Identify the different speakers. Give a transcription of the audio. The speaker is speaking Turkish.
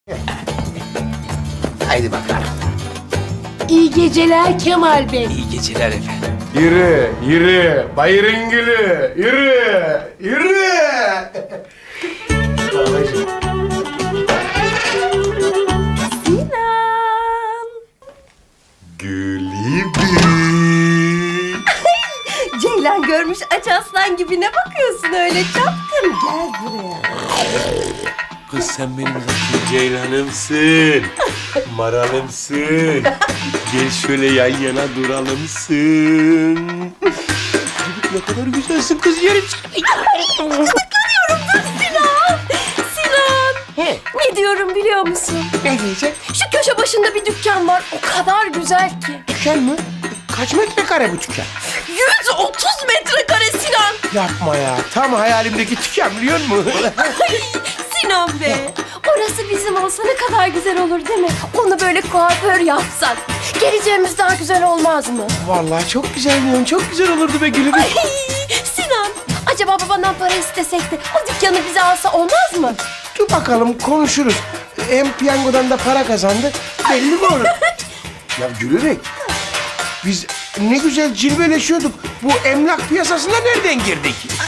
Speaker 1: Haydi bakalım.
Speaker 2: İyi geceler Kemal Bey.
Speaker 3: İyi geceler efendim.
Speaker 1: Yürü, yürü. Bayırın gülü. Yürü, yürü. Babacığım.
Speaker 4: Sinan.
Speaker 1: Gülübü.
Speaker 4: Ceylan görmüş aç aslan gibi ne bakıyorsun öyle çapkın? Gel buraya.
Speaker 3: Kız sen benim zaten ceylanımsın. Maralımsın. Gel şöyle yan yana duralımsın. Ne kadar güzelsin kız yerim.
Speaker 4: Sinan. Sinan.
Speaker 1: He,
Speaker 4: Ne diyorum biliyor musun?
Speaker 1: ne diyecek?
Speaker 4: Şu köşe başında bir dükkan var. O kadar güzel ki.
Speaker 1: Dükkan mı? Kaç metrekare bu dükkan?
Speaker 4: 130 metrekare Sinan.
Speaker 1: Yapma ya. Tam hayalimdeki dükkan biliyor musun?
Speaker 4: Sinan be. Orası bizim olsa ne kadar güzel olur değil mi? Onu böyle kuaför yapsak. Geleceğimiz daha güzel olmaz mı?
Speaker 1: Vallahi çok güzel diyorsun. Çok güzel olurdu be Gülübü.
Speaker 4: Ay, Sinan. Acaba babandan para istesek de o dükkanı bize alsa olmaz mı?
Speaker 1: Dur bakalım konuşuruz. Hem piyangodan da para kazandı. Belli mi olur? Ya Gülübü. Biz ne güzel cilveleşiyorduk. Bu emlak piyasasına nereden girdik?